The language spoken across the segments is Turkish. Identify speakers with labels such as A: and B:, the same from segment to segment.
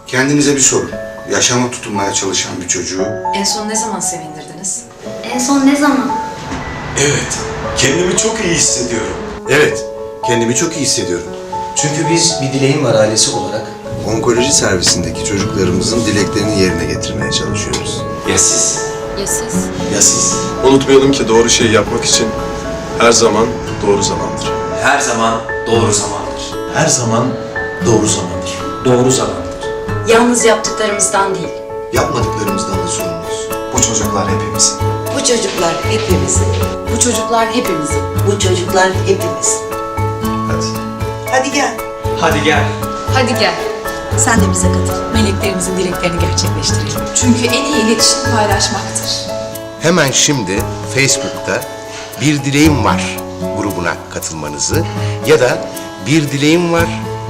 A: Kendinize bir sorun. Yaşama tutunmaya çalışan bir çocuğu
B: En son ne zaman sevindirdiniz?
C: En son ne zaman?
D: Evet, kendimi çok iyi hissediyorum.
E: Evet, kendimi çok iyi hissediyorum.
F: Çünkü biz bir dileğim var ailesi olarak.
G: Onkoloji servisindeki çocuklarımızın dileklerini yerine getirmeye çalışıyoruz.
D: Ya siz?
C: Ya siz?
F: Ya siz?
H: Unutmayalım ki doğru şeyi yapmak için her zaman doğru zamandır.
D: Her zaman doğru zamandır.
F: Her zaman doğru zamandır. Doğru zamandır.
B: Yalnız yaptıklarımızdan değil.
G: Yapmadıklarımızdan da sorumluyuz.
F: Bu çocuklar hepimizin.
I: Bu çocuklar hepimizin.
B: Bu çocuklar hepimizin.
I: Bu çocuklar hepimizin.
F: Hadi.
I: Hadi gel.
D: Hadi gel.
B: Hadi gel.
I: Sen de bize katıl.
B: Meleklerimizin dileklerini gerçekleştirelim. Çünkü en iyi iletişim paylaşmaktır.
E: Hemen şimdi Facebook'ta Bir Dileğim Var grubuna katılmanızı ya da Bir Dileğim Var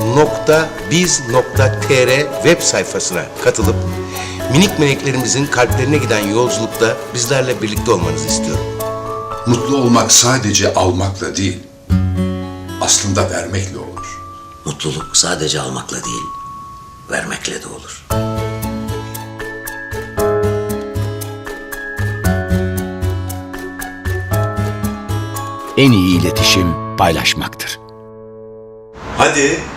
E: .biz.tr web sayfasına katılıp minik meleklerimizin kalplerine giden yolculukta bizlerle birlikte olmanızı istiyorum.
J: Mutlu olmak sadece almakla değil, aslında vermekle olur.
K: Mutluluk sadece almakla değil, vermekle de olur.
L: En iyi iletişim paylaşmaktır.
D: Hadi